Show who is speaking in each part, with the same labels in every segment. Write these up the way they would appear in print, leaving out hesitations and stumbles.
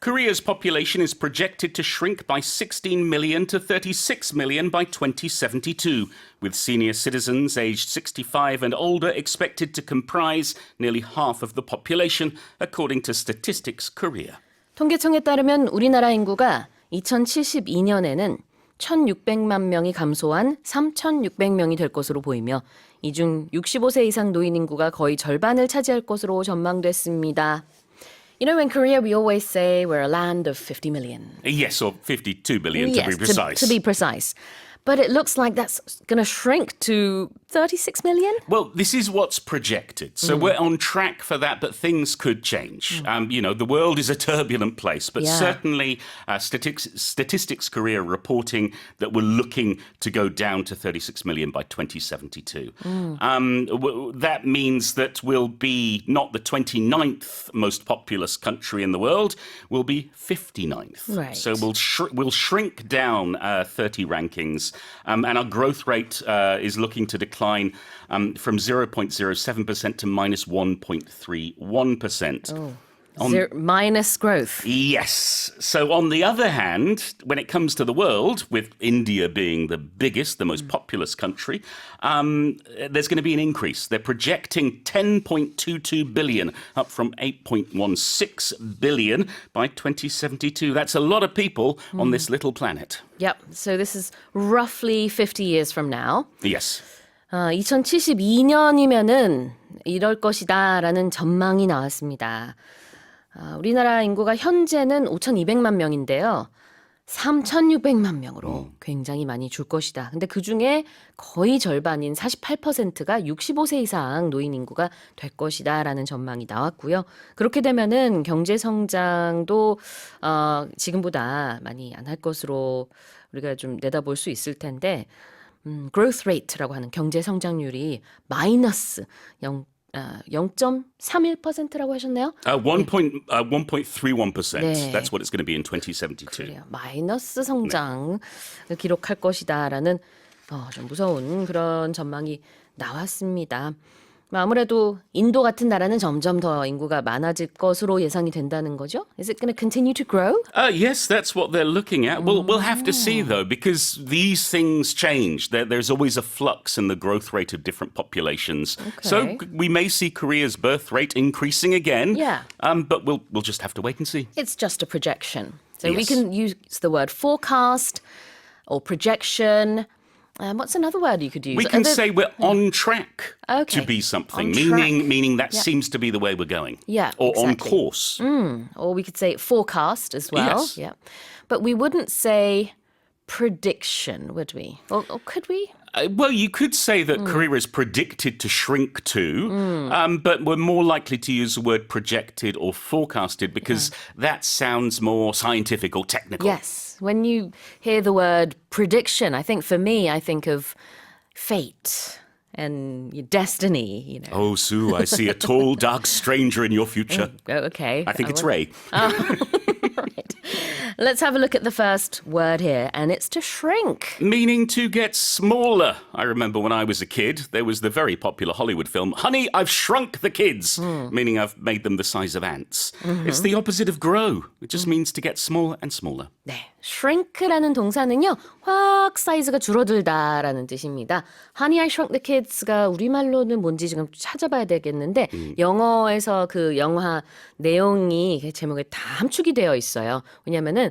Speaker 1: Korea's population is projected to shrink by 16 million to 36 million by 2072, with senior citizens aged 65 and older expected to comprise nearly half of the population, according to Statistics Korea.
Speaker 2: 통계청에 따르면 우리나라 인구가 2072년에는 1,600만 명이 감소한 3,600명이 될 것으로 보이며 이 중 65세 이상 노인 인구가 거의 절반을 차지할 것으로 전망됐습니다. You know, in Korea, we always say we're a land of 50 million.
Speaker 1: Yes, or 52 billion to be precise.
Speaker 2: To be precise. But it looks like that's going to shrink to 36 million?
Speaker 1: Well, this is what's projected. So we're on track for that, but things could change. The world is a turbulent place, but certainly Statistics Korea reporting that we're looking to go down to 36 million by 2072. That means that we'll be not the 29th most populous country in the world, we'll be 59th.
Speaker 2: Right.
Speaker 1: So we'll shrink down 30 rankings. And our growth rate is looking to decline from 0.07% to minus 1.31%.
Speaker 2: Minus growth.
Speaker 1: Yes. So on the other hand, when it comes to the world, with India being the biggest, the most populous country, there's going to be an increase. They're projecting 10.22 billion, up from 8.16 billion by 2072. That's a lot of people on this little planet.
Speaker 2: Yep. So this is roughly 50 years from now.
Speaker 1: Yes.
Speaker 2: 2072년이면은 이럴 것이다라는 전망이 나왔습니다. 우리나라 인구가 현재는 5,200만 명인데요. 3,600만 명으로 굉장히 많이 줄 것이다. 근데 그중에 거의 절반인 48%가 65세 이상 노인 인구가 될 것이다라는 전망이 나왔고요. 그렇게 되면은 경제 성장도 지금보다 많이 안 할 것으로 우리가 좀 내다볼 수 있을 텐데 growth rate라고 하는 경제 성장률이 마이너스 0.31%라고 하셨나요?
Speaker 1: 1.31%.
Speaker 2: 네.
Speaker 1: That's what it's going to be in 2072.
Speaker 2: 그래요. 마이너스 성장을 기록할 것이다라는 좀 무서운 그런 전망이 나왔습니다. 아무래도 인도 같은 나라는 점점 더 인구가 많아질 것으로 예상이 된다는 거죠? Is it going to continue to grow?
Speaker 1: Yes, that's what they're looking at. We'll have to see, though, because these things change. There's always a flux in the growth rate of different populations.
Speaker 2: Okay.
Speaker 1: So we may see Korea's birth rate increasing again.
Speaker 2: Yeah.
Speaker 1: But we'll just have to wait and see.
Speaker 2: It's just a projection. So we
Speaker 1: Yes.
Speaker 2: can use the word forecast or projection. What's another word you could use?
Speaker 1: We can say we're on track
Speaker 2: Okay.
Speaker 1: to be something,
Speaker 2: On track.
Speaker 1: meaning that seems to be the way we're going.
Speaker 2: Yeah,
Speaker 1: Or on
Speaker 2: exactly.
Speaker 1: course.
Speaker 2: Or we could say forecast as well.
Speaker 1: Yes.
Speaker 2: Yeah. But we wouldn't say prediction, would we? Or could we?
Speaker 1: Well, you could say that Korea is predicted to shrink too, but we're more likely to use the word projected or forecasted because that sounds more scientific or technical.
Speaker 2: Yes. When you hear the word prediction, I think of fate and your destiny, you know.
Speaker 1: Oh, Sue, I see a tall, dark stranger in your future.
Speaker 2: Oh, okay.
Speaker 1: I think it's Ray.
Speaker 2: Right. Let's have a look at the first word here, and it's to shrink.
Speaker 1: Meaning to get smaller. I remember when I was a kid, there was the very popular Hollywood film, Honey, I've Shrunk the Kids, meaning I've made them the size of ants. It's the opposite of grow. It just means to get smaller and smaller.
Speaker 2: 네, shrink라는 동사는요, 확 사이즈가 줄어들다라는 뜻입니다. Honey, I Shrunk the Kids가 우리말로는 뭔지 지금 찾아봐야 되겠는데 영어에서 그 영화 내용이 그 제목에 다 함축이 되어 있어요. 왜냐하면은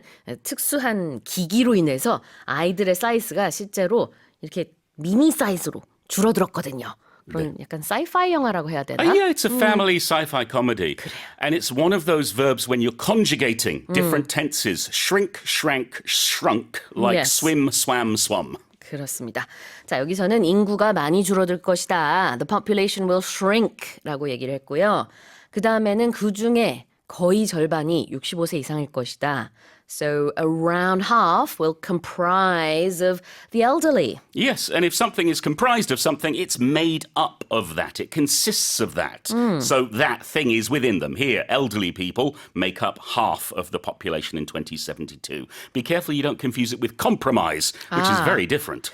Speaker 2: 특수한 기기로 인해서 아이들의 사이즈가 실제로 이렇게 미니 사이즈로 줄어들었거든요. 그런 약간 sci-fi 영화라고 해야 되나?
Speaker 1: Yeah, it's a family sci-fi comedy. And it's one of those verbs when you're conjugating different tenses. Shrink, shrank, shrunk, like
Speaker 2: Yes.
Speaker 1: swim, swam, swum.
Speaker 2: 그렇습니다. 자, 여기서는 인구가 많이 줄어들 것이다. The population will shrink라고 얘기를 했고요. 그 다음에는 그 중에 거의 절반이 65세 이상일 것이다. So around half will comprise of the elderly.
Speaker 1: Yes, and if something is comprised of something, it's made up of that. It consists of that. So that thing is within them. Here, elderly people make up half of the population in 2072. Be careful you don't confuse it with compromise, which is very different.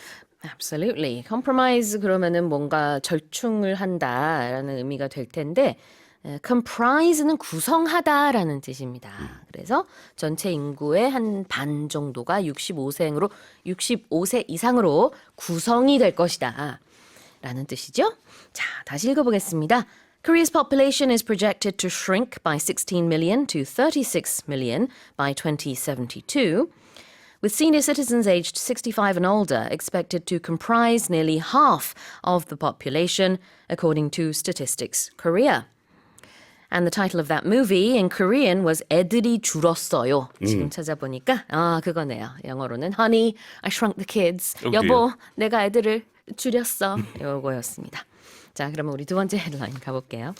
Speaker 2: Absolutely. Compromise 그러면은 뭔가 절충을 한다라는 의미가 될 텐데 comprise는 구성하다라는 뜻입니다. 그래서 전체 인구의 한 반 정도가 65세 이상으로 구성이 될 것이다. 라는 뜻이죠. 자, 다시 읽어보겠습니다. Korea's population is projected to shrink by 16 million to 36 million by 2072. With senior citizens aged 65 and older expected to comprise nearly half of the population, according to Statistics Korea. And the title of that movie in Korean was 애들이 줄었어요. 지금 찾아보니까 그거네요. 영어로는 Honey, I Shrunk the Kids.
Speaker 1: Oh,
Speaker 2: 여보, 내가 애들을 줄였어. 요거였습니다. 자, 그러면 우리 두 번째 헤드라인 가볼게요.